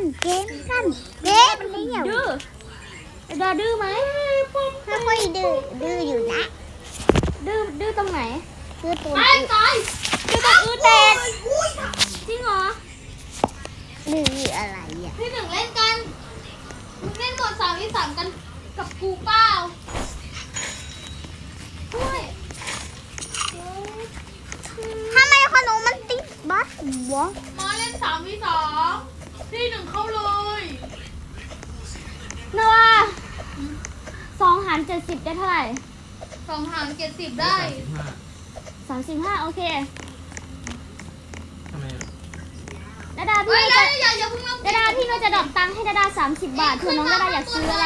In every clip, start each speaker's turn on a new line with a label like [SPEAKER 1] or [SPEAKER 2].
[SPEAKER 1] เกมมันเหี่ยว
[SPEAKER 2] ดื้อดาดื้อไหม
[SPEAKER 1] ไม่ค่อยดื้ออยู่นะ
[SPEAKER 2] ดื้อตรงไหน
[SPEAKER 1] ดื้อตัว
[SPEAKER 2] ตายดื้อตรงแตกจริงเหรอ
[SPEAKER 1] ดื้ออะไรอ่ะ
[SPEAKER 3] พี่หนึ่งเล่นกันเล่นหมด3v3กันกับกูเปล่าด้วย
[SPEAKER 1] ทำไมขนมมันติดบัสวะ
[SPEAKER 3] มาเล่น3v2พี่หนึ่งเข้าเลย
[SPEAKER 2] นว่า2 หาร 70ได้เท่าไหร่
[SPEAKER 3] 2 หาร70ได้
[SPEAKER 2] 35โอเค
[SPEAKER 4] ทำไม
[SPEAKER 2] ดาดาพี่
[SPEAKER 3] เฮ้ย
[SPEAKER 2] จะ
[SPEAKER 3] อย่าเพิ่งเอา
[SPEAKER 2] ดาดาพี่เราจะดรอปตังค์ให้ดาดา30 บาทเผื่อน้องดาดาอยากซื้ออะไร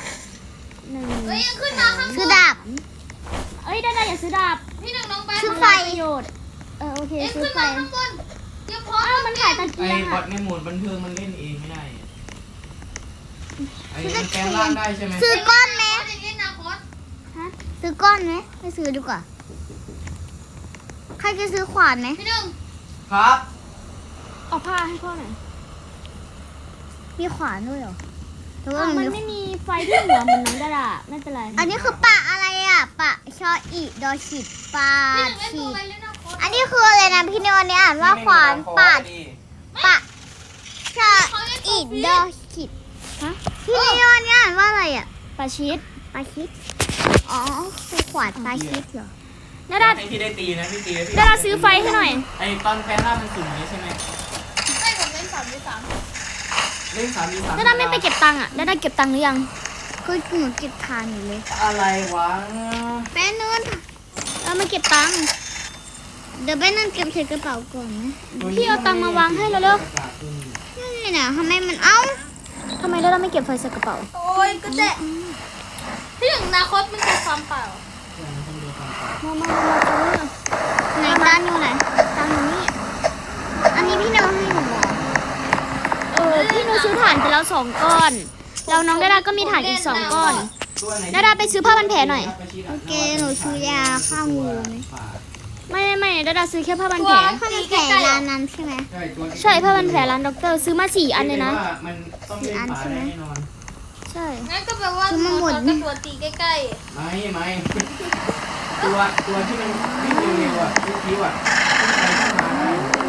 [SPEAKER 2] 1
[SPEAKER 3] เฮ้ยยังขึ้นมาข้างบน
[SPEAKER 1] คือดาบ
[SPEAKER 2] เอ้ยดาดาอยากซื้อดาบ
[SPEAKER 3] พี่หนึ่งน้องแบง
[SPEAKER 1] ซื้อ
[SPEAKER 3] ค์
[SPEAKER 1] ไฟ
[SPEAKER 2] ประโยชน์โอเค
[SPEAKER 3] เอ็ง
[SPEAKER 2] ซื้อ
[SPEAKER 3] ขึ้น
[SPEAKER 2] ไฟ
[SPEAKER 3] มาข้างบนเดี๋ยวพอ
[SPEAKER 2] อ้าวมันขายตะ
[SPEAKER 4] ไอ้
[SPEAKER 2] เกียง
[SPEAKER 4] บอ
[SPEAKER 2] อ่ะ
[SPEAKER 4] ทในโหมดบันเทิงมันเล่นเองไม่ได้ไอ้มันแปลงร่างได้ใช่ไหม
[SPEAKER 1] ซื้อก้อนไหม
[SPEAKER 3] อย่างนี้นะโค้ด
[SPEAKER 1] ซื้อก้อนไหมไม่ซื้อดีกว่าใครจะซื้อขวานไหม
[SPEAKER 3] พี่หนึ่ง
[SPEAKER 4] ครับ
[SPEAKER 2] เอาผ้าให้พ่อหน่อย
[SPEAKER 1] มีขวานด้วยเหรอหรือว่า
[SPEAKER 2] มัน
[SPEAKER 1] มี
[SPEAKER 2] ไม่มีไฟที่หัวเหมือนน้องดาดาไม่เป็นไร
[SPEAKER 1] อันนี้คือปะอะไรอ่ะปะชออีดอฉิดปา
[SPEAKER 3] พี่หนึ่งเล่นตัว
[SPEAKER 1] ฉีด
[SPEAKER 3] ไปเล่นนะโค้ด
[SPEAKER 1] อันนี้คืออะไรนะพี่นิวอันนี้อ่านว่าขวานปาดปะชออีดอฉิด
[SPEAKER 2] ฮะ
[SPEAKER 1] พี่นิวอันนี้อ่านว่าอะไรอ่ะ
[SPEAKER 2] ปลาชีส
[SPEAKER 1] ปาชิดอ๋อคือขวานปาชิดเหรอ
[SPEAKER 2] ดาดา
[SPEAKER 4] ให้พี่ได้ตีนะพี่ตีแล้วพี่
[SPEAKER 2] ดาดาซื้อไฟให้หน่อย
[SPEAKER 4] ไอ้ตอนแปลงร่างมันสุ่มนี้ใช่ไหม
[SPEAKER 3] ให้ผมเล่น3v3
[SPEAKER 4] เล่น3v3
[SPEAKER 2] ดาดาไม่ไปเก็บตังค์อ่ะดาดาเก็บตังค์หรือยัง
[SPEAKER 1] คือหนูเก็บทานอยู่เลย
[SPEAKER 4] อะไรวะ
[SPEAKER 1] แป๊บนึง
[SPEAKER 2] เรามาเก็บตังค์
[SPEAKER 1] เดี๋ยวแป๊บนึงเก็บใส่กระเป๋าก่อนนะ
[SPEAKER 2] พี่เอาตังค์มาวางให้เราเร็ว
[SPEAKER 1] นี่นะทำไมมันเอ้า
[SPEAKER 2] ทำไมดาดาไม่เก็บไฟใส่กระเป๋า
[SPEAKER 3] โอ้ยก็เจ๊พี่หนึ่งนาคตมันจะความเปล่า
[SPEAKER 2] มาซื้อ
[SPEAKER 1] ไหนตังอยู่ไหนตังอยู่นี่อันนี้พี่นิวให้หนูบอก
[SPEAKER 2] พี่หนูซื้อถ่านไปแล้ว2 ก้อนแล้วน้องดาดาก็มีถ่านอีก2 ก้อน ดาดาไปซื้อผ้าพันแผลหน่อย
[SPEAKER 1] โอเคหนูซื้อยาฆ่างูไหม
[SPEAKER 2] ไม่ดาดาซื้อแค่ผ้าพันแผล
[SPEAKER 1] ถ้ามันแผลร้านนั้นใช่ไหม
[SPEAKER 2] ใช่ผ้าพันแผลร้านด็อกเตอร์ซื้อมา4 อันเลยนะ
[SPEAKER 4] มันต้องเล่นฝาได้แน่นอน
[SPEAKER 2] ใช่
[SPEAKER 3] งั้นก็แปลว่าโค้ดก็ตัวตีใกล้
[SPEAKER 4] ไม่ตัวที่มันวิ่งเร็วๆอ่ะคิ้วอ่ะขึ้นไปขึ้นมาได้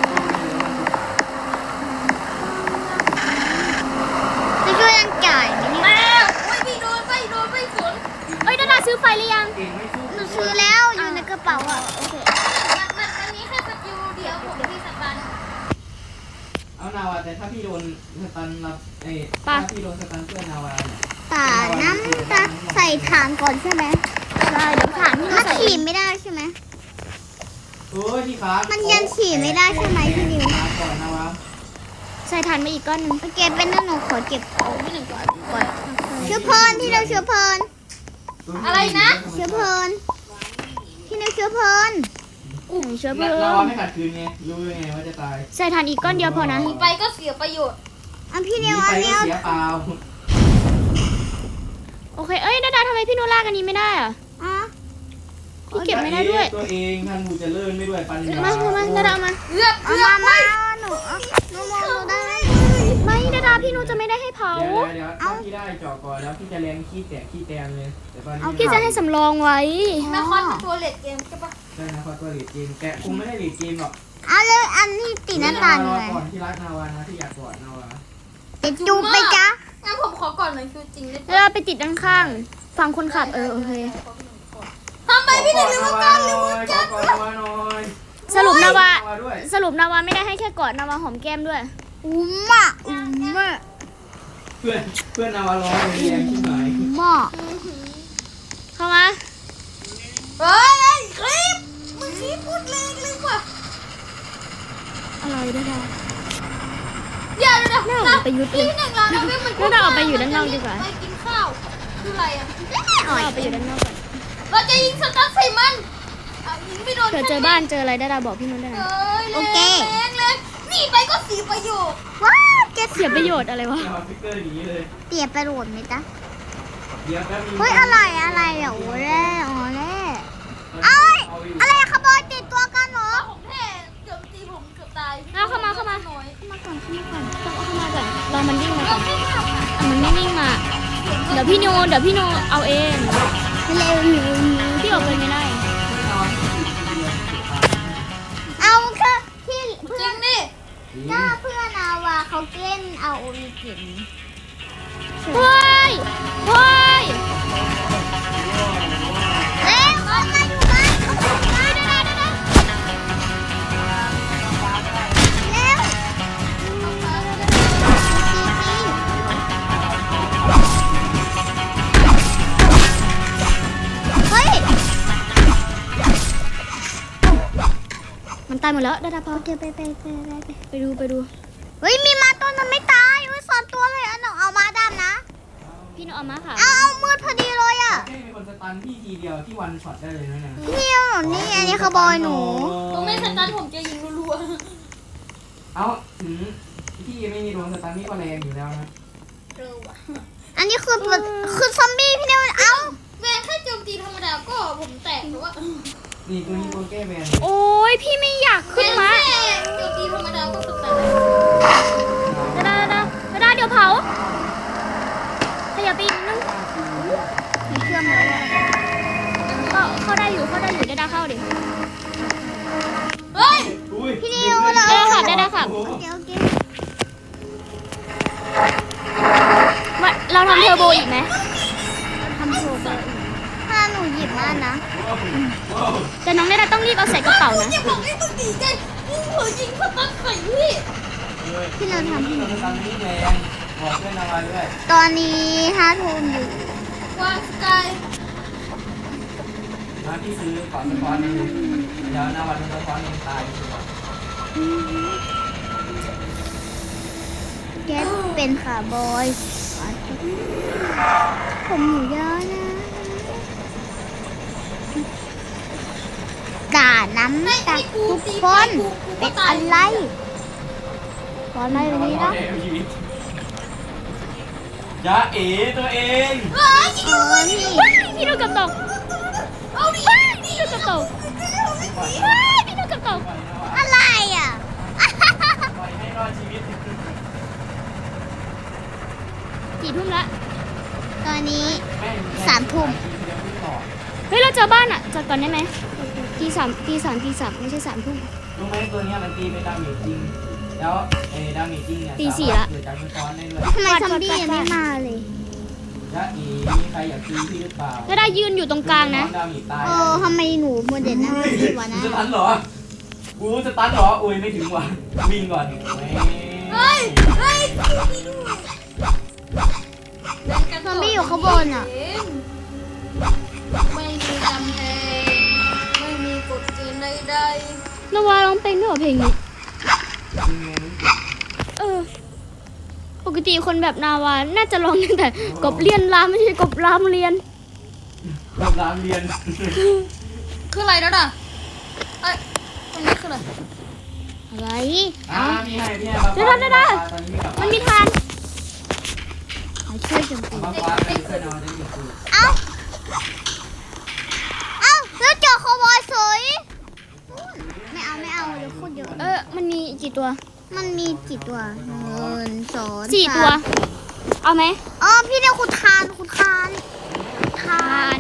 [SPEAKER 1] จะช่วยยังจ่ายไหม
[SPEAKER 3] ๆ
[SPEAKER 1] เนี่ย
[SPEAKER 3] มาโอ้ยพี่โดนไปสวน
[SPEAKER 2] เอ้ยดาดาซื้อไฟหรือยัง
[SPEAKER 4] เก่งไม่สู้
[SPEAKER 1] หนูซื้อแล้วอยู่ในกระเป๋าอ่ะ
[SPEAKER 2] โอเค
[SPEAKER 3] มันนี้แค่สกิลเดียวผมที่สตัน
[SPEAKER 4] เอานาวาแต่ถ้าพี่โดนสตันรับถ้าพี่โดนสตันเพื่อนนาวาเนี่ย
[SPEAKER 1] ตาน้ำตาใส่ฐานก่อนใช่ไหม
[SPEAKER 2] ใช่เดี๋ยวถ่านพี่
[SPEAKER 1] ถ้า
[SPEAKER 2] ใส่
[SPEAKER 1] ขี่ไม่ได้ใช่ไหม
[SPEAKER 4] โอ้ยที่ขา
[SPEAKER 1] มันยังขี่ไม่ได้ใช่ไหมพี่นิว
[SPEAKER 4] ขาก่อนนาวา
[SPEAKER 2] ใส่ถ่านมาอีกก้อนหนึง
[SPEAKER 1] โอเคเป็นนั่นหนูขอเก็บ
[SPEAKER 3] โอ้พี่หนึ่งก่อน
[SPEAKER 1] เชื้อเพลินที่เราเชื้อเพลิน
[SPEAKER 3] อะไรนะ
[SPEAKER 1] เชื้อเพลินที่เราเชื้อเพลิน
[SPEAKER 2] เชื้อเพลิ
[SPEAKER 4] นาง วาไม่ขัดคืนไงรู้ไงว่าจะตาย
[SPEAKER 2] ใส่ถ่านอีกก้อนเดียวพอนะ
[SPEAKER 3] ไปก็เสียประโยชน์
[SPEAKER 1] อันพี่นิว
[SPEAKER 4] ไป
[SPEAKER 1] อัน
[SPEAKER 4] ก็
[SPEAKER 1] เนี้ย
[SPEAKER 4] เสียเปล่า
[SPEAKER 2] โอเคเอ้ยดาดาทำไมพี่โนลากอันนี้ไม่ได้อะ
[SPEAKER 1] อ๋อ
[SPEAKER 2] พี่เก็บไม่ได้ด้วย
[SPEAKER 4] ตัวเองท่านบูจะเลิศไม่ด้วยปัญญา
[SPEAKER 2] มาดาดาเอามา
[SPEAKER 3] เลือก
[SPEAKER 1] เอามาหนูหนูมองหนูได้
[SPEAKER 2] ไม่ดาดาพี่โนจะไม่ได้ให้เผา
[SPEAKER 4] เดี๋ยวถ้าพี่ได้เจาะก่อนแล้วพี่จะแรงขี้แตกขี้แตนเลยแต่ตอนนี้
[SPEAKER 2] พี่จะให้สำรองไว้
[SPEAKER 3] นาคตเป็นตัวเลดเกมใช่ปะ
[SPEAKER 4] ได้นะครตัวหลีดเกมแต่คงไม่ได้หลีดเกมหรอก
[SPEAKER 1] เอาเลยอันนี้ติดหน้าตาอยู่ไหน
[SPEAKER 4] ก่อนที่รักนาวานะที่อยากกอดนาวา
[SPEAKER 1] จะจูบไปจ้ะ
[SPEAKER 3] งั้นผมขอก่อนหน่อยคือจริงเลย
[SPEAKER 2] ดาดาไปติดด้านข้างฝั่งคนขับโอเค
[SPEAKER 3] ทำไมพี่หนึ่งลืมกันลืม
[SPEAKER 4] ขอก่อนนาวาหน่อย
[SPEAKER 2] สรุปนาวา
[SPEAKER 4] ด้วย
[SPEAKER 2] สรุปนาวาไม่ได้ให้แค่กอดนาวาหอมแก้มด้วย
[SPEAKER 1] อุ้มอ่ะอุ้มอ่ะ
[SPEAKER 4] เพื่อนนาวาร้องเลยแรงขึ้นหน่อย
[SPEAKER 1] อุ้มอ่ะ
[SPEAKER 2] เข้ามา
[SPEAKER 3] เฮ้ยคลิปมึงคลิปพูดเลยกว่า
[SPEAKER 2] อะไรดาดา
[SPEAKER 3] อย่าเดี๋ยว
[SPEAKER 2] น่า
[SPEAKER 3] นะ
[SPEAKER 2] ออกไปยุดเล
[SPEAKER 3] พี่
[SPEAKER 2] ย
[SPEAKER 3] หนึ่งเราเนี่ยมัน
[SPEAKER 2] งั้นเราออกไปอยู่ด้านนอกดีกว่า
[SPEAKER 3] ไปกินข้าวคืออะไรอ่ะ
[SPEAKER 2] เราออกไปอยู่ด้านนอกก่อน
[SPEAKER 3] เราจะยิงสกัดใส่มันยิงไม่โดน
[SPEAKER 2] เผื่อเจอบ้านเจออะไรดาดาบอกพี่โนได้นะ
[SPEAKER 3] โอเคแรงหนีไปก็เสียประโยชน์
[SPEAKER 1] ว้าวเจ็บ
[SPEAKER 2] เสียประโยชน์อะไรวะ
[SPEAKER 4] นาวาฟิกเกอร์หนีเลย
[SPEAKER 1] เตียบไปโหลดไหมจ๊ะ
[SPEAKER 4] เดี๋ยวแป๊บนึง
[SPEAKER 1] เฮ้ยอะไรอ่ะโอ้แร่อ๋อแร่เอ้ยอะไรขโมยติดตัวกันเหรอ
[SPEAKER 3] ผมแท้เกือบตีผมเกือบตาย
[SPEAKER 2] เอาเข้ามา
[SPEAKER 3] น้อย
[SPEAKER 1] มาก่อนขึ้นมาก่อนต้องเอา
[SPEAKER 2] มาก่อนรอมันวิ่งมาก่
[SPEAKER 3] เรา
[SPEAKER 2] อน
[SPEAKER 3] ไม่ทำอ่ะ
[SPEAKER 2] มันไม่วิ่งมา เดี๋ยวพี่โนเอาเอง
[SPEAKER 1] เร็ว
[SPEAKER 2] พี่ออกไปไม่ได้
[SPEAKER 1] เอาค่ะที่
[SPEAKER 3] จ
[SPEAKER 1] เพื่
[SPEAKER 3] ริ
[SPEAKER 1] อน
[SPEAKER 3] งดิ
[SPEAKER 1] ถ้าเพื่อนเอาว่าเขาเล่นเอาโอริจิน
[SPEAKER 2] เฮ้ย เฮ้ย
[SPEAKER 1] เร็วเอามาอยู่บ้านเร็วเฮ้ย
[SPEAKER 2] มันตายหมดแล้วดาพอ
[SPEAKER 1] โอเคไป
[SPEAKER 2] ไปดู
[SPEAKER 1] เฮ้ยมีมาตัวนึงไม่ตายเฮ้ยสอนตัวเลยอ่ะหนูเอามาดำนะ
[SPEAKER 2] พี่โนเอามาค่ะ
[SPEAKER 1] เอามืดพอดีเลยอ่ะ
[SPEAKER 4] แค่มีคนสตันพี่ทีเดียวที่วันช็อตได้เลยนะเนี่ย
[SPEAKER 1] นี่หนูนี่อันนี้เขาบอยหนู
[SPEAKER 3] ผมไม่สตาร์ทผมจะยิงรัว
[SPEAKER 4] เอาถึงพี่ไม่มีโดนสตันนี่ก็แรงอยู่แล้วนะ
[SPEAKER 3] ๆเร็วอ่ะ
[SPEAKER 1] อันนี้คือซอมบี้พี่เนี่ยเอ้า
[SPEAKER 3] แวนแค่โจมตีธรรมดาก็ผมแตกหรือว่า
[SPEAKER 4] นี่ตัวนี้ตัวแก้แบน
[SPEAKER 2] โอ้ยพี่ไม่อยากขึ้นมา
[SPEAKER 3] แค่โจมตีธรรมดาก็สแตน
[SPEAKER 2] ดาเดี๋ยวเผาขยับไปอีกนิดนึง
[SPEAKER 1] มีเครื่องแล้วอะ
[SPEAKER 2] ก็เข้าได้อยู่ดาเข้าดิ
[SPEAKER 3] เฮ้ย
[SPEAKER 4] อุ้ย
[SPEAKER 1] พี่นิวเหรอ
[SPEAKER 2] ได้ค่ะ
[SPEAKER 1] โอเค
[SPEAKER 2] เราทำเทอร์โบอีกไหม
[SPEAKER 1] ทำโชว์ไปถ้าหนูหยิบมานะ
[SPEAKER 2] แต่น้องดาต้องรีบเอาใส่กระเป๋านะ
[SPEAKER 3] จะบอกให้มึงดีใจมึงเผลอยิงสตันใส่พี่
[SPEAKER 1] พี่เราทำ
[SPEAKER 4] พี่เราสตันนี่แรงบอกเพื่อนเอาไว้ด้วย
[SPEAKER 1] ตอนนี้5 ทุ่มอยู่
[SPEAKER 3] วางสกาย
[SPEAKER 4] นะพี่ซื้อก่อนสะท้อนนึงเดี๋ยวนาวันสะท้อนเองตาย
[SPEAKER 1] แก๊สเป็นขาบอยผมหนูเยอะนะด่าน้ำตาทุกคนเป็นอะไรตอนไหนวันนี้นะ
[SPEAKER 4] ยาเอ๋ตัวเอง
[SPEAKER 1] พี่
[SPEAKER 2] พี่โดนกับตก
[SPEAKER 3] เอาดิ
[SPEAKER 2] พี่โดนกับตกพี่โดนกับตก
[SPEAKER 1] อะไรอ่ะ
[SPEAKER 4] ปล่อยให้รอดชีวิต
[SPEAKER 2] กี่ทุ่มละ
[SPEAKER 1] ตอนนี้
[SPEAKER 4] แม่ง
[SPEAKER 1] 3 ทุ่ม
[SPEAKER 2] เฮ้ยเราเจอบ้านอ่ะจอดก่อนได้ไหมตีสามไม่ใช่3 ทุ่ม
[SPEAKER 4] รู้ไหมตัวเนี้ยมันตีเป็นดาเมจจริง แล้วไอ้ดาเมจจริงเนี่ย
[SPEAKER 2] ตีสี่
[SPEAKER 4] สามารถ
[SPEAKER 2] ละ
[SPEAKER 4] เกิดจากสะท้อนได้ด้วย
[SPEAKER 1] ทำไมซอมบี้ยังไม่มาเลย
[SPEAKER 4] ยาเอ๋มีใครอยากตีพี่หรือเปล่า
[SPEAKER 2] ดายืนอยู่ตรงกลางนะ
[SPEAKER 4] ดาเมจตาย
[SPEAKER 1] ทำไมหนูโมเดลนั่งดีวะนะ
[SPEAKER 4] สตันเหรอกูสตันเหรออุ้ยไม่ถึงว่ะวิ่งก่อนแหม
[SPEAKER 3] เฮ้ยเฮ้ย
[SPEAKER 1] ซอมบี้อยู่ข้างบนอ่ะ
[SPEAKER 3] ไม่มีกำแพงไม่มีกฎเกณฑ์ใด
[SPEAKER 2] นวาร้องเพลงด้วยเหรอเพลงนี้ ปกติคนแบบนาวาน่าจะร้องตั้งแต่กบเลียนรามไม่ใช่กบรามเรียน
[SPEAKER 4] รอบร้านเรียน
[SPEAKER 3] ๆคืออะไรแล้วน่ะเอ้ยตรงนี้คืออะไร
[SPEAKER 1] อะไร
[SPEAKER 4] พี่ให้มา
[SPEAKER 2] เดี๋ยว
[SPEAKER 4] ตอนนี้ไม่กลับ
[SPEAKER 2] มันมีทาน
[SPEAKER 1] มาช่วยโจมตี
[SPEAKER 4] มาฟ้าไปเพื่อนเอาได้หนึ่งคือ
[SPEAKER 1] เอ้าแล้วเจอคาวบอยสวยไม่เอาเดี๋ยวพูดเยอะ
[SPEAKER 2] มันมีกี่ตัว
[SPEAKER 1] มันมีกี่ตัว1 2
[SPEAKER 2] 4 ตัว เอาไหม
[SPEAKER 1] อ๋อพี่เนี่ยคุณทาน
[SPEAKER 2] ทาน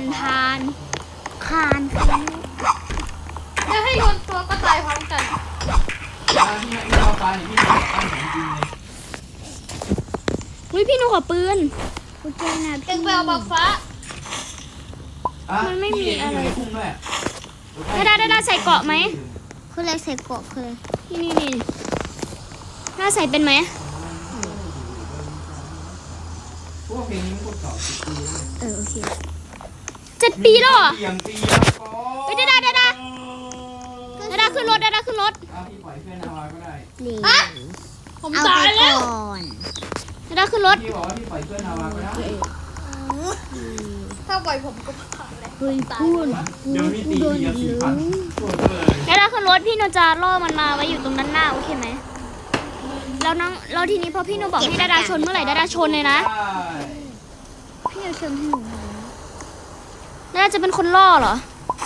[SPEAKER 3] จะให้โยนตัวก็ตายพร้อมกัน
[SPEAKER 4] พี่ให้มาฟ้าเนี่ยพี่ตั้งของจริงเลย
[SPEAKER 2] เฮ้ยพี่หนูขอปืน
[SPEAKER 1] คุณเจนะ
[SPEAKER 3] เอ็
[SPEAKER 1] พี่
[SPEAKER 3] งไปเอาบักฟ้า
[SPEAKER 2] มันไม่มีอะไร
[SPEAKER 4] พี่พุ่งด้วย
[SPEAKER 2] ดาใส่เกาะไหม
[SPEAKER 1] คืออะไรใส่เกาะคืออะไร
[SPEAKER 2] นี่ดาใส่เป็นไหม
[SPEAKER 4] พวกเพลงนี้พวกเก่า10 ปีแล้ว
[SPEAKER 1] โอเค
[SPEAKER 2] 7 ปีแล้วเหรอ
[SPEAKER 4] เสียงตีแล้วก็
[SPEAKER 2] เฮ้ยดาขึ้นรถ
[SPEAKER 4] เอาพี่ปล่อยเพื่อนเอาไว้ก็ได้
[SPEAKER 1] เหลีย
[SPEAKER 3] ฮะ ผม
[SPEAKER 1] เอา
[SPEAKER 3] ตา
[SPEAKER 1] ไป
[SPEAKER 3] ยแล้ว
[SPEAKER 1] ก่อน
[SPEAKER 2] ดาขึ้นรถ
[SPEAKER 4] พี่บอกว่าพี่ปล่อยเพื่อนเอาไว้ก็ได้
[SPEAKER 3] ถ้าปล่อยผมก็ขาดเลย
[SPEAKER 1] เฮ้ยพูด
[SPEAKER 4] เดี๋ยวมีตีเดียว4,000ปวดเลย
[SPEAKER 2] ดาขึ้นรถพี่หนูจะล่อมันมาไว้อยู่ตรงด้านหน้าโอเคไหมแล้วทีนี้พอพี่หนูบอกให้ดาชนเมื่อไหร่ดาชนเลยนะ
[SPEAKER 1] พี่เอาชมให้หนูหน่อย
[SPEAKER 2] ดาจะเป็นคนล่อเหรอ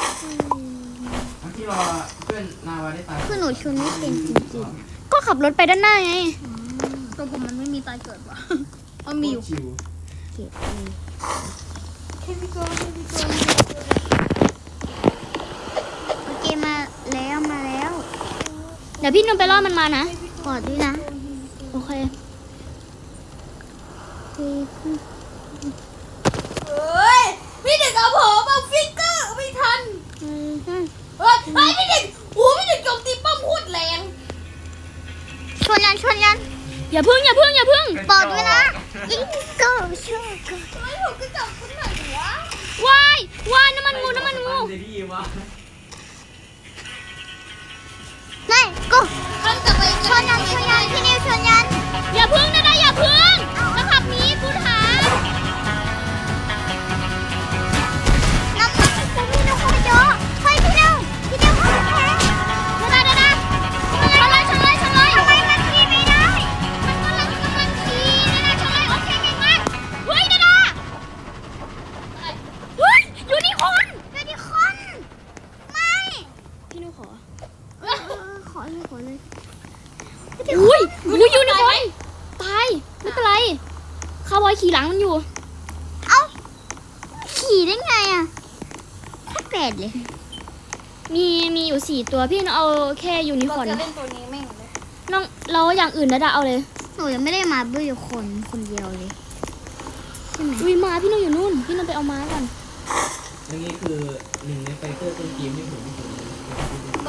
[SPEAKER 4] ที่รอเพื่อนนาวาได้ตาย
[SPEAKER 1] คือหนูชมไม่เป็นจริง
[SPEAKER 2] ก็ขับรถไปด้านหน้าไง
[SPEAKER 1] ๆ
[SPEAKER 3] ตัวผมมันไม่มีตายเกิดว่ะมันมีอยู่
[SPEAKER 4] ชิว
[SPEAKER 2] เก็บ
[SPEAKER 3] แค่พี่โก้
[SPEAKER 1] โอเคมาแล้ว
[SPEAKER 2] เดี๋ยวพี่นุ่นไปล่อมันมานะ
[SPEAKER 1] กอดด้วยนะ
[SPEAKER 2] โอเค
[SPEAKER 3] เฮ้ยพี่เด็กเอาผมเอาฟิกเกอร์ไม่ทันเฮ้ยพี่เด็กพี่เด็กโจมตีป้อมโคตรแรง
[SPEAKER 1] ชวนยัน
[SPEAKER 2] อย่าพึ่ง
[SPEAKER 1] กอดด้วยนะยิงก็ช่วยกอด
[SPEAKER 3] ทำไมผมก็จับคนไหนวะ
[SPEAKER 2] วายน้ำมันงู
[SPEAKER 4] เดดี้วะ
[SPEAKER 1] ไม่กู
[SPEAKER 3] มันกลับไป
[SPEAKER 1] ชวนยันพี่นิวชวนยัน
[SPEAKER 2] อย่าพึ่งนะอย่าพึ่งจะขับหนีกูถาม
[SPEAKER 1] น้ำมันกูพี่นิวเขาเยอะเฮ้ยพี่นิวเขาแพ้
[SPEAKER 2] ดาชนเลย
[SPEAKER 1] ทำไมมันขี่ไม่ได้
[SPEAKER 2] มันกำลังขี่ชนเลยโอเคเก่งมากเฮ้ยดาเฮ้ยยูนิคอร์น
[SPEAKER 1] เดี๋ยวดิคนไม่
[SPEAKER 2] พี่นุ้ยขอ
[SPEAKER 1] ขอเลย
[SPEAKER 2] อุ้ยยูนิคอร์นตายไม่เป็นไรคาวบอยขี่หลังมันอยู่
[SPEAKER 1] เอ้าขี่ได้ไงอ่ะโคตรแปลกเลย
[SPEAKER 2] มีอยู่4ตัวพี่เอาแค่ยูนิคอร์น
[SPEAKER 3] จะเล่นตัวนี้แม่งเลย
[SPEAKER 2] น้องเราอย่างอื่นดาเอาเลย
[SPEAKER 1] หนูยังไม่ได้มาด้วยคนเดียวเลยใช่ไหม
[SPEAKER 2] อุ้ยมาพี่นุ้ยอยู่นู่นพี่นุ้ยไปเอาม้าก่อน
[SPEAKER 4] อันนี้คือหนึ่งในไฟเตอร์ต้นเกมที่ผมที่สุดเลย
[SPEAKER 3] ไป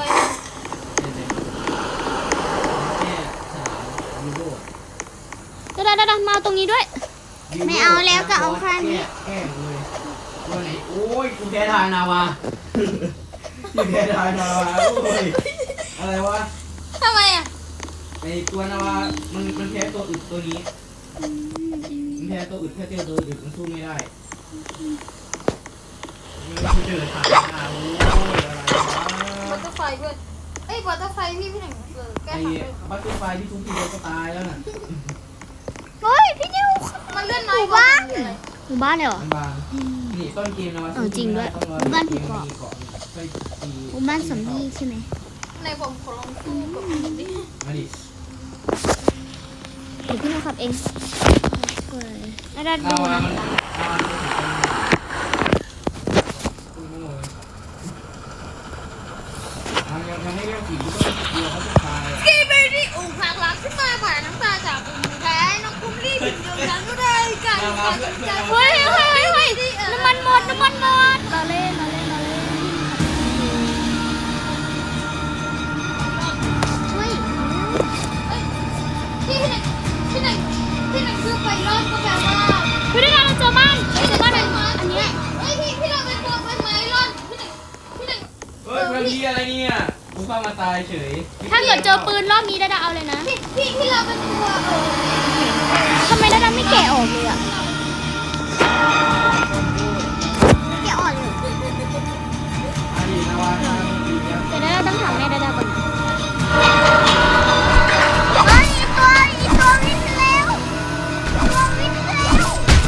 [SPEAKER 4] แค่สนามยูโร
[SPEAKER 2] ดามาตรงนี้ด้วย
[SPEAKER 1] ไม่เอาแล้วก็เอาแค่นี้
[SPEAKER 4] แก้เลยตัวไหนโอ้ยกูแพ้ทายนาวากูแพ้ทายนาวาโอ้ยอะไรวะ
[SPEAKER 3] ทำไมอ่ะ
[SPEAKER 4] ไอตัวนาวามันแพ้ตัวอึดตัวนี้มันแพ้ตัวอึดแค่เจอตัวอึดมันสู้ไม่ได้มันเจอถ่ายหน้าโอ้ยอะไรวะ
[SPEAKER 3] บัตเตอร์ไฟด้วยบัตเตอร์ไฟพี่หนึ่งแก้
[SPEAKER 4] ไอ้
[SPEAKER 3] ถังเลย
[SPEAKER 4] บัตเตอร์ไฟที่ทุกทีเดียวก็ตายแล้วน่ะ
[SPEAKER 1] เฮ้ยพี่นิว
[SPEAKER 3] มันเลื่อนน้อยกว่า
[SPEAKER 2] หมู่บ้านเลยเหรอ
[SPEAKER 4] มันบางนี่ต้นเกมนะวะ
[SPEAKER 2] จริงด้วย
[SPEAKER 1] บ้านผีเกาะ
[SPEAKER 4] ไปตี
[SPEAKER 1] หมู่บ้านสมพี่ใช่ไหม
[SPEAKER 3] ในผมขอลองสู้กับมันดิ
[SPEAKER 4] มาดิ
[SPEAKER 2] เดี๋ยวพี่นุ้ยขับเองดา
[SPEAKER 4] ลาวามันลาวายังไม่เรียกผีก็เดียวเขาจะตาย
[SPEAKER 3] กีเบรี่อกหักรักขึ้นมาผ่านน้ำตาจากอุ่นแท้น้องคุ้มรีบถึงเดียวกันก็ได้กันใจ
[SPEAKER 2] เฮ้ยน้ำมันหมดเราเล่น
[SPEAKER 1] เฮ้ย
[SPEAKER 3] ที่หนึ่งคือไปรอดก็แปลว่า
[SPEAKER 2] เฮ้ยดาเราเจอบ้าน
[SPEAKER 3] อันนี้พี่เราเป็นตัวเป็นไม้รอดที่หนึ่ง
[SPEAKER 4] เฮ้ยมันมีอะไรเนี่ยกูเข้ามาตายเฉย
[SPEAKER 2] ถ้าเกิดเจอปืนรอบนี้ดาเอาเลยนะ
[SPEAKER 3] พี่เราเป็นตัว
[SPEAKER 2] ทำไมดาไม่แกะออกเลยอ่ะ
[SPEAKER 1] แกอ่อนเลย
[SPEAKER 4] อดีตนาวาดีแล้ว
[SPEAKER 2] เดี๋ยวดาต้องถามแม่ดาก่อน
[SPEAKER 1] เฮ้ยอีตัววิ่งเร็วตัววิ่งเร็ว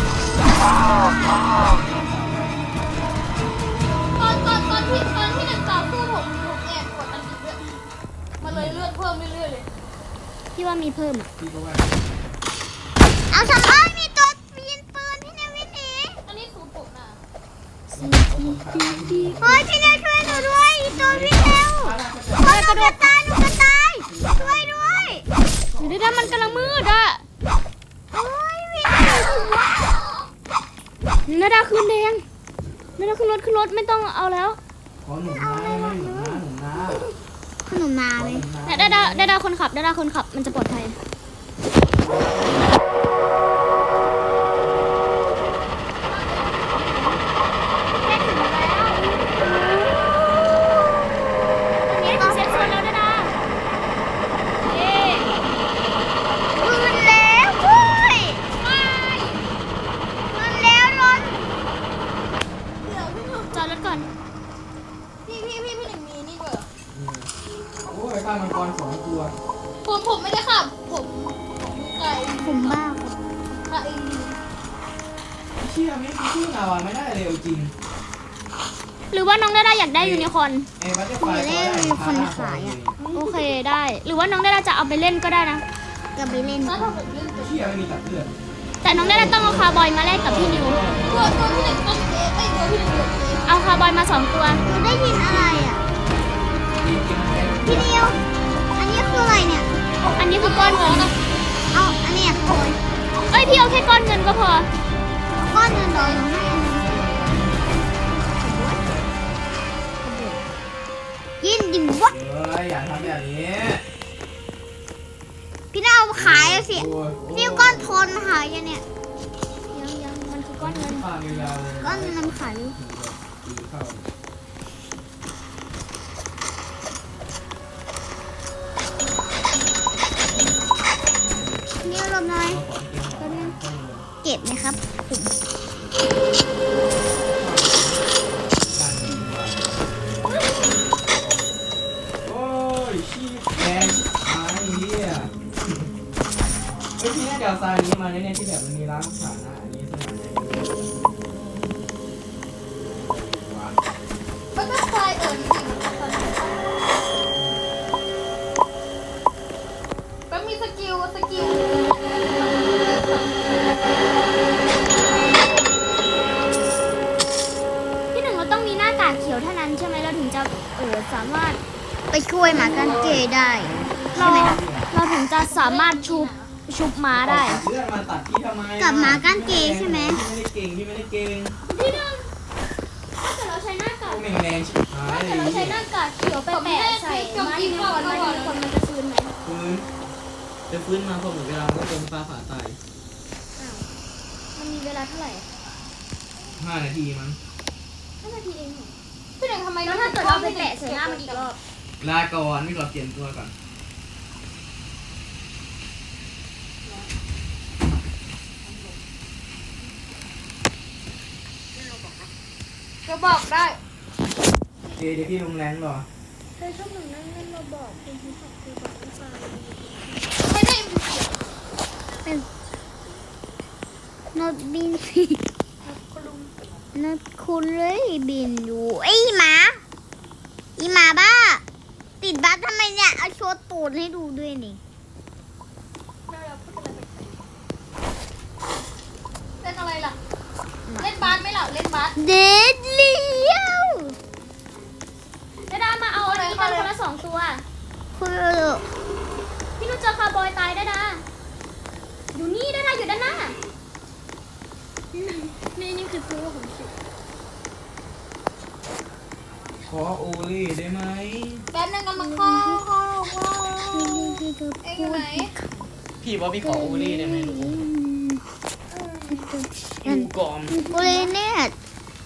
[SPEAKER 3] ตอนที่หนึ่งต่อสู้ผมแอบกดอันนี้ด้วยมันเลยเลือดเพิ่มเรื่อยๆเลย
[SPEAKER 2] พี่ว่ามีเพิ่มอ่ะ
[SPEAKER 4] พี่ก็ว่า
[SPEAKER 1] เอาทำไมมีตัวยิงปืนพี่นิววิ่งหนี
[SPEAKER 3] อันนี้สูตรผมนะ
[SPEAKER 1] เฮ้ยพี่นิวช่วยหนูด้วยอีตัววิ่งเร็วเฮ้ยหนูจะตายช่วยด้วย
[SPEAKER 2] เดี๋ยวดามันกำลังมืดอ่ะ
[SPEAKER 1] เฮ้ยวิ่งเร็ว
[SPEAKER 2] ดาขึ้นแดงดาขึ้นรถไม่ต้องเอาแล้ว
[SPEAKER 4] ขอหนุนนะไม่หนุนนะหนุนนะ
[SPEAKER 1] ขนมมาไหม
[SPEAKER 2] ดาคนขับมันจะปลอดภัย นี่ถึงเซฟโซนแล้วดาเย้
[SPEAKER 1] ปืนแล้วเว้ยปืนแล้วรถ
[SPEAKER 2] จอดรถก่อน
[SPEAKER 3] พี่หนึ่งมีนี่ด้วย
[SPEAKER 4] โอ้ยข้ามังกร2 ตัว
[SPEAKER 3] ผมไม่ได้ขับผมไก่
[SPEAKER 1] ผมบ้า
[SPEAKER 3] ค่ะเอง
[SPEAKER 4] เชื่อไม่ชื่อนาวาไม่ได้เร็วจริง
[SPEAKER 2] หรือว่าน้องดาอยากได้ยูนิคอร์น
[SPEAKER 4] ไอ้บัตเตอร์ไฟก็ได้
[SPEAKER 2] โอเคได้ หรือว่าน้องดาจะเอาไปเล่นก็ได้นะ
[SPEAKER 1] ก็ไปเล่น
[SPEAKER 3] ถ้าผมเล่นตัว
[SPEAKER 4] เชี่ยไม่มีตัดเลือด
[SPEAKER 2] แต่น้องได้ต้องเอาคาร์บอยมาแลกกับพี่นิว
[SPEAKER 3] ตัวพี่หนึ่งต้องเอไอตัวพี่หนึ่งตัวเอ
[SPEAKER 2] เอาคาร์บอยมา2 ตัว
[SPEAKER 1] หนูได้ยินอะไรอ่ะ พี่นิว อันนี้คืออะไรเนี่ย
[SPEAKER 2] อันนี้คือก้อนเงิน
[SPEAKER 1] เอาอันเนี้ยโอย
[SPEAKER 2] เอ้ยพี่เอาแค่ก้อนเงินก็พอ
[SPEAKER 1] ก้อนเงินเหรอหนูให้อันนึงยินดิวะ
[SPEAKER 4] เฮ้ยอย่าทำแบบนี้
[SPEAKER 1] พี่น่าเอาขายสิ
[SPEAKER 4] โอ้ย
[SPEAKER 1] นี่ก้อนทนหายยังเนี่ย
[SPEAKER 2] ยังมันคือก้อนเงิน
[SPEAKER 4] ข้างยาวๆเลย
[SPEAKER 1] ก้อนมันขายอยู่
[SPEAKER 4] ตีเข้า
[SPEAKER 1] นี่รวมหน่อย
[SPEAKER 4] เอาของเกมก่อน
[SPEAKER 1] เก็บไหมครับผม
[SPEAKER 4] โอ้ยชีพแรงหายเหี้ยเฮ้ยพี่น่าจะเอาทรายนี้มาเนี่ยที่แบบมันมีร้านขายนะอันนี้สมัยไหนว้าว
[SPEAKER 3] มันก็คลายนี่มันมีสกิล
[SPEAKER 2] พี่หนึ่งเราต้องมีหน้ากากเขียวเท่านั้นใช่ไหมเราถึงจะสามารถ
[SPEAKER 1] ไปช่วยหมากันเกย์ได้
[SPEAKER 2] เราเราถึงจะสามารถชุบม้าได้
[SPEAKER 4] ตัดเลือดมาตัดพี่ทำไม
[SPEAKER 1] กับหมาก้านเกย์ใช่ไหม
[SPEAKER 4] พี่ไม่ได้เก่ง
[SPEAKER 2] พี่หนึ่งถ้าเกิดเราใช้หน้ากาก
[SPEAKER 4] แม่งแรงชิบหาย
[SPEAKER 2] ถ้า
[SPEAKER 4] เล
[SPEAKER 2] เกิดเราใช้
[SPEAKER 4] ย
[SPEAKER 2] หน้ากากเขียวไปแปะใส่ม้าที่ก่อนมันจะฟื้นไหม
[SPEAKER 4] ฟื้นจะฟื้นมาพอหมดเวลาก็โดนฟ้าผ่าตาย
[SPEAKER 2] อ้าวมันมีเวลาเท่าไหร่
[SPEAKER 4] 5 นาทีมั้ง
[SPEAKER 2] 5 นาทีเองเหรอ
[SPEAKER 3] พี่หนึ่งทำไม
[SPEAKER 2] แล้วถ้าเกิดเราไปแปะใส่หน้ามันอีกรอบ
[SPEAKER 4] ลาก่อนไม่ขอเปลี่ยนตัวก่อน
[SPEAKER 3] จะบอกได้
[SPEAKER 4] เดี๋ยวพี่ลงแรงหรอ
[SPEAKER 2] เธอชอบหนึ่งนั่นเราบอกคุณที่ขับคือบอกไม่ฟัง
[SPEAKER 3] ไม่ได้
[SPEAKER 1] เป็นนดบินนดคุณเลยบินอยู่ไอ้หมาอีหมาบ้า ติดบัสทำไมเนี่ย เอาโชว์ตูดให้ดูด้วยนี่
[SPEAKER 3] เล่นอะไรล่ะ เล่นบาสไหมล่ะ เล่นบาส
[SPEAKER 1] เด็ดเลี้ยว
[SPEAKER 2] ดาดามาเอาอันนี้กันคนละ2 ตัว
[SPEAKER 1] คือ
[SPEAKER 2] พี่นุชเจอคาร์บอยตายดาดาอยู่นี่ดาดาอยู่ด้านหน้า นี่คือตัวของฉัน
[SPEAKER 4] ขอโอเล่ได้ไหม
[SPEAKER 3] แป๊บนึงกันมาเข้าเอ็งอยู่ไหน
[SPEAKER 4] พี่ว่าพี่ขอโอเล่ได้ไหมลูกอยู่ก่อน
[SPEAKER 1] โอเลเน็ต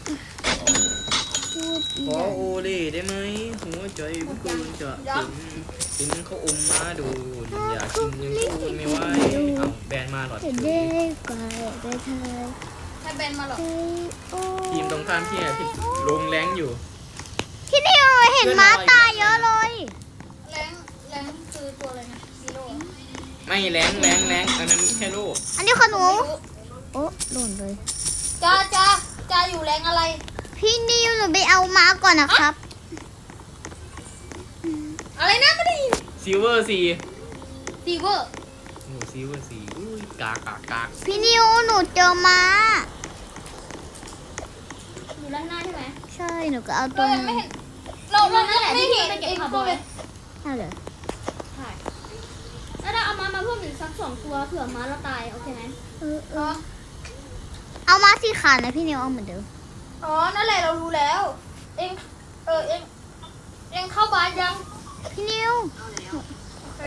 [SPEAKER 4] ขอโอเล่ได้ไหมหัวใจพี่กูจะถึงเขาอมมาดูอยากกินยังพูดไม่ไหวเอาแบนมาหลอด
[SPEAKER 1] จะได้กว่าไปเธอ
[SPEAKER 3] ให้เบนมาหรอ
[SPEAKER 4] ทีมตรงข้ามที่พี่ลงแรงอยู่
[SPEAKER 1] พี่นิวเห็นม้าตายเยอะเลย
[SPEAKER 3] แรงคือตัวอะไรนะซีโร่
[SPEAKER 4] ไม่แรงอันนั้นแค่โลก
[SPEAKER 1] อันนี้ของหนูโอ้หล่นเลย
[SPEAKER 3] จ้าอยู่แรงอะไร
[SPEAKER 1] พี่นิวหนูไปเอาม้าก่อนนะครับ
[SPEAKER 3] อะไรนะไม่ได้ยิน
[SPEAKER 4] ซิลเวอร์ซี
[SPEAKER 3] ซีเวอร์
[SPEAKER 4] โอ้ซิลเวอร์ซีอุ้ยกาก
[SPEAKER 1] พี่นิวหนูเจอม้า
[SPEAKER 2] อยู่ด้านหน้าใช่ไหม
[SPEAKER 1] ใช่หนูก็เอาตั
[SPEAKER 3] เรา
[SPEAKER 1] ว
[SPEAKER 3] ยัง
[SPEAKER 1] นึ
[SPEAKER 3] ไม่
[SPEAKER 1] ง
[SPEAKER 3] เห็นเราไม่เห็น
[SPEAKER 2] ไปเก็บ
[SPEAKER 3] เอ็ง
[SPEAKER 2] คาร์บ
[SPEAKER 3] ตั
[SPEAKER 2] อ
[SPEAKER 3] วย เลย
[SPEAKER 1] ใช่เลย
[SPEAKER 2] ใช่ดาดาเอามาเพิ่มอีกสัก2 ตัวเผื่อม้าเราตายโอเคไหม
[SPEAKER 3] อ๋อ
[SPEAKER 1] เอาม้าสีขาวนะพี่นิวเอาเหมือนเดิม
[SPEAKER 3] อ๋อนั่นแหละเรารู้แล้ว เอ็งเข้าบาสยัง
[SPEAKER 1] พี่นิว
[SPEAKER 3] โอเค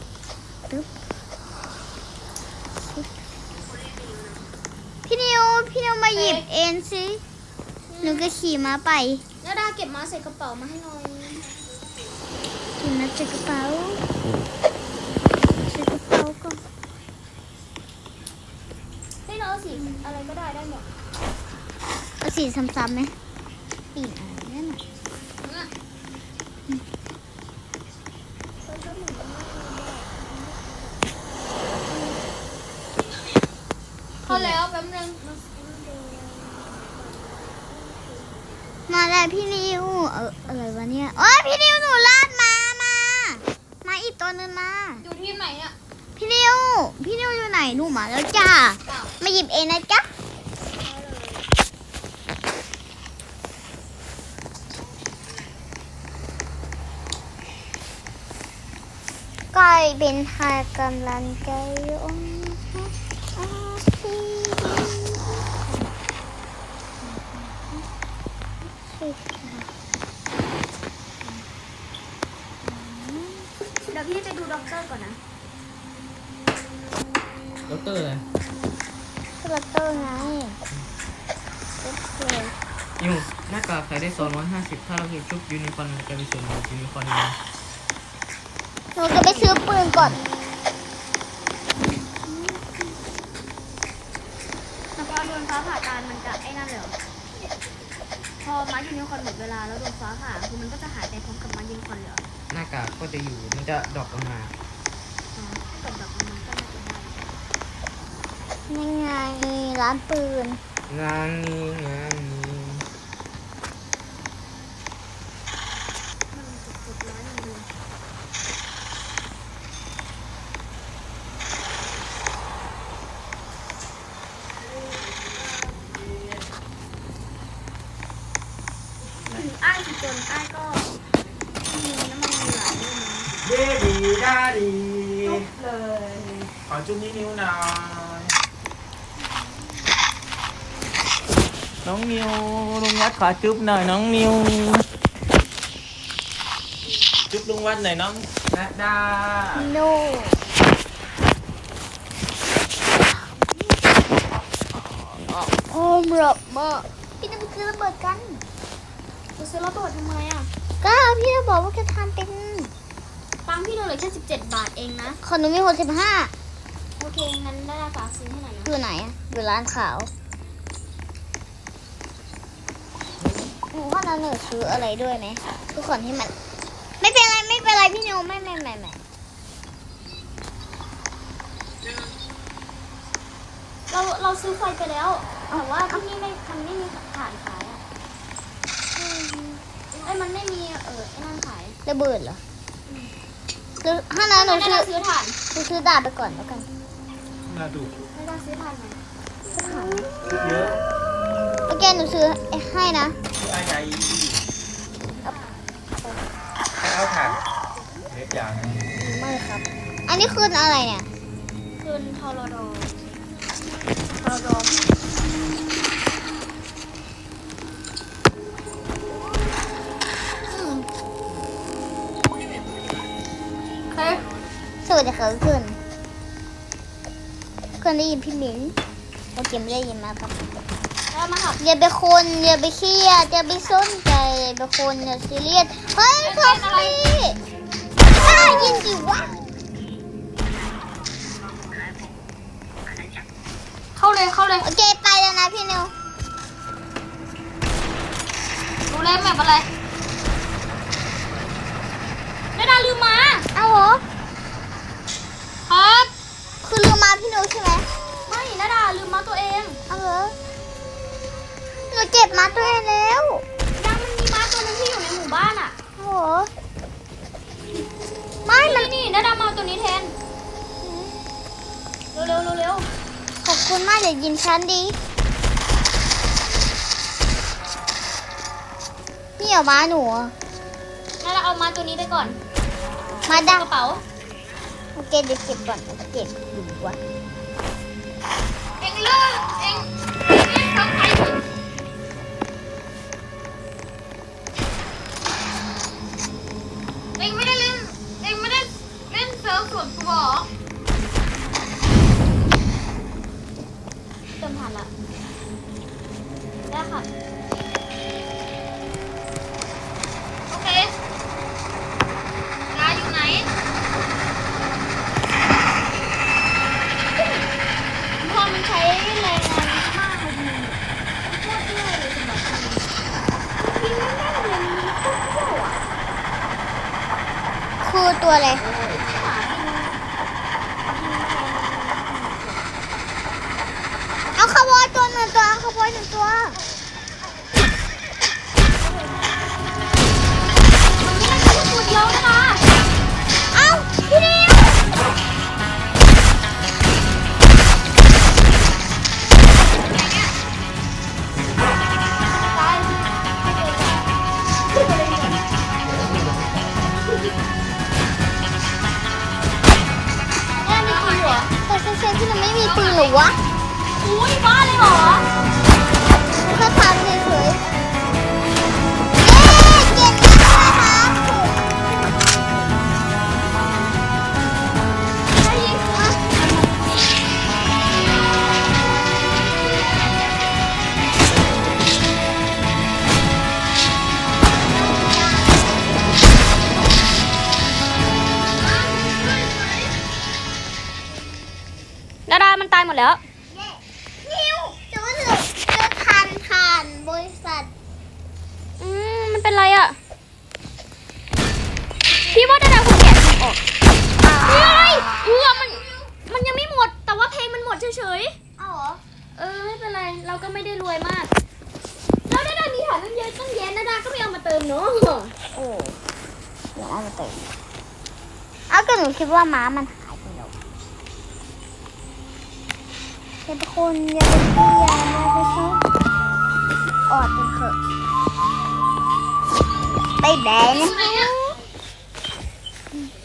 [SPEAKER 1] พี่นิวมาหยิบเอ็นสิหนูก็ขี่ม้าไป
[SPEAKER 2] ดาดาเก็บม้าใส่กระเป๋ามาให้หน่อย
[SPEAKER 1] ขี่ม้าใส่กระเป๋าใส่กระเป๋าก่อน
[SPEAKER 2] ให้เราเอาสีอะไรก็ได้หมด
[SPEAKER 1] เอาสีซ้ำๆไหมปีนอะไรนั่นน่ะ
[SPEAKER 3] เข้าแล้วแป๊บนึง
[SPEAKER 1] มาแล้วพี่นิวอะไรวะเนี่ยโอ้ยพี่นิวหนูลาดมาอีกตัวนึงมา
[SPEAKER 3] อยู่ทีมไหนเนี่ย
[SPEAKER 1] อพี่นิวอยู่ไหนหนูมาแล้วจ้ามาหยิบเองนะจ๊ะกลายเป็นหากำลังใจอง
[SPEAKER 2] เดี๋ยวพี่ไปดูด็อกเตอร์ก่อนนะ
[SPEAKER 4] ด็อกเตอร์อะไร
[SPEAKER 1] ด็อกเตอร์ไง
[SPEAKER 4] นิวหน้ากากขายได้250ถ้าเราเก็บชุบยูนิคอร์นมันจะไปส่วนลดยูนิคอร์นนะ
[SPEAKER 1] หนูจะไปซื้อปืนก่อน
[SPEAKER 2] แล้วก็โดนฟ้าผ่าตามันจะไอ้นั่นเลยเหรอพอมายูนิคอร์นหมดเวลาแล้วโดนฟ้าผ่าคือมันก็จะหายไปพร้อมกับมายูนิคอร์นเลยเหรอ
[SPEAKER 4] หน้ากากก็จะอยู่มันจะดรอปลงมา
[SPEAKER 2] อ๋อถ้าเกิดแบบมันก็ไม่เป็นไร
[SPEAKER 1] ยังไงร้านปืน
[SPEAKER 4] งานนี้
[SPEAKER 2] มันกดร้อยหนึ่งเลย อ้ายสิจนอ้ายก็มีน้ำมันมีหลายด้วยนะ
[SPEAKER 5] เย้ดีดาดี
[SPEAKER 3] เลย
[SPEAKER 5] ขอจุ๊บนิ้วหน่อย
[SPEAKER 4] น้องนิวลุงวัดขอจุ๊บหน่อยน้องนิว
[SPEAKER 5] จุ๊บลุงวัดหน่อยน้องนัดดา
[SPEAKER 1] โนโอ้มรับมาพี่จะไปซื้อระเบิดกัน
[SPEAKER 2] จะซื้อระเบิดทำไมอ่ะ
[SPEAKER 1] ก็พี่จะบอกว่าจะทำเป็น
[SPEAKER 2] ตังค์พี่เหลือแค่17 บาทเองนะ
[SPEAKER 1] ขนมมี65
[SPEAKER 2] โอเค งั้นได้ฝากซื้อให้หน่อยนะ
[SPEAKER 1] อยู่ไหนอะอยู่ร้านขาวหนูว่าเราหนูซื้ออะไรด้วยไหมทุกคนที่มัน ไม่เป็นไรพี่นิวไม่
[SPEAKER 2] เราซื้อไฟไปแล้ว แต่ว่าที่นี่มันไม่มีถ่านขายอ่ะมันไม่มีไอ้นั่นขาย
[SPEAKER 1] ระเบิดเหรอหรือถ้านั้นหนู
[SPEAKER 2] ไม่
[SPEAKER 1] ซื้อ
[SPEAKER 2] ได้ซื้อถ่าน
[SPEAKER 1] ดาบไปก่อนแล้วกัน
[SPEAKER 5] น่าดู
[SPEAKER 2] ไม่ได้ซื้อถ่านไหน
[SPEAKER 5] เยอะ
[SPEAKER 1] โอเคหนูซื้อให้นะ
[SPEAKER 5] ที่อาใหญ่ให้เอาถ่านเล็กอย่างนะ
[SPEAKER 1] ไม่ครับ อันนี้คืออะไรเนี่ย
[SPEAKER 2] คืนทอรดอ
[SPEAKER 3] เฮ้ย
[SPEAKER 1] สวัสดีค่ะทุกคนได้ยินพี่หมิงโอเคไม่ได้ยินมาครับ
[SPEAKER 2] แล้วมาขับ
[SPEAKER 1] อย่าไปอย่าไปเครียดอย่าไปสนใจอย่าไปอย่าซีเรียสเฮ้ยทอมมี่ยินดีวะ
[SPEAKER 3] เข้าเลย
[SPEAKER 1] โอเคไปแล้วนะพี่นิว
[SPEAKER 3] รู้แล้วแมปอะไร
[SPEAKER 2] ได้ดาลืมมา
[SPEAKER 1] เอาเหรอ
[SPEAKER 3] ครับ
[SPEAKER 1] คือลืมมาพี่นิวใช่ไหม
[SPEAKER 2] ไม่นาดาลืมมาตัวเอง
[SPEAKER 1] เอาเหรอหนูเจ็บมาตัวเองแล้ว
[SPEAKER 2] ยังมันมีม้าตัวหนึงที่อยู่ในหมู่บ้านอ่ะ
[SPEAKER 1] เอาเหรอไม่มัน
[SPEAKER 2] นี่นาดามาเอาตัวนี้แทน เร็ว
[SPEAKER 1] ขอบคุณมากเดี๋ยวยินฉันดีนี่เหรอม้าหนูอะ
[SPEAKER 2] นาดาเอาม้าตัวนี้ไปก่อน
[SPEAKER 1] มาดัง
[SPEAKER 2] กระเป๋า
[SPEAKER 1] โอเคเดี๋ยวเก็บก่อนเก็บอยู่วะ
[SPEAKER 3] เอ็งเลิกเอ็งทำใครถึงเอ็งไม่ได้เล่นเซิร์ฟส่วนตัวเหรอ
[SPEAKER 2] เติมผ่านละ ได้ค่ะ
[SPEAKER 3] โอเคงาอยู่ไหน
[SPEAKER 2] พอมันใช้แรงงานมากเลยดีโคตรเยอะเลยสำหรับพี่ไม่ได้เลยมีโคตรเยอะอ่ะ
[SPEAKER 1] คือตัวอะไร
[SPEAKER 2] หากิน
[SPEAKER 1] เอาขโมยตัวหนึ่งตัวเอาขโมยหนึ่งตัว
[SPEAKER 2] มันไม่ได้แค่ตัวเดียวนะ
[SPEAKER 1] เอาพี่นิวปืนหรือวะ
[SPEAKER 2] อุ้ยบ้าเลยเหรอ
[SPEAKER 1] แค่ทำเฉยๆเย็นนะคะ
[SPEAKER 2] ได้ยินว่า
[SPEAKER 3] ดาดามันตายหมดแล้ว
[SPEAKER 1] นิวจะว่าจะผ่านบริษัท
[SPEAKER 3] มันเป็นไรอ่ะ พี่ว่าดาดาคงแกะเพลงออกเฮ้ยมันยังไม่หมด แต่ว่าเพลงมันหมดเฉย
[SPEAKER 1] เอาเหรอ
[SPEAKER 3] ๆไม่เป็นไร เราก็ไม่ได้รวยมาก แล้วดาดามีฐานตั้งเยอะตั้งแยะดาดาก็ไม่เอามาเติมเนาะ
[SPEAKER 1] โอ้เดี๋ยวเอามาเติมเอาก็หนูคิดว่าม้ามันหายไปแล้วเป็นคนอย่าเป็นพี่อย่าไปชอบออดกันเถอะไปแบน
[SPEAKER 2] ไหนเนี่ย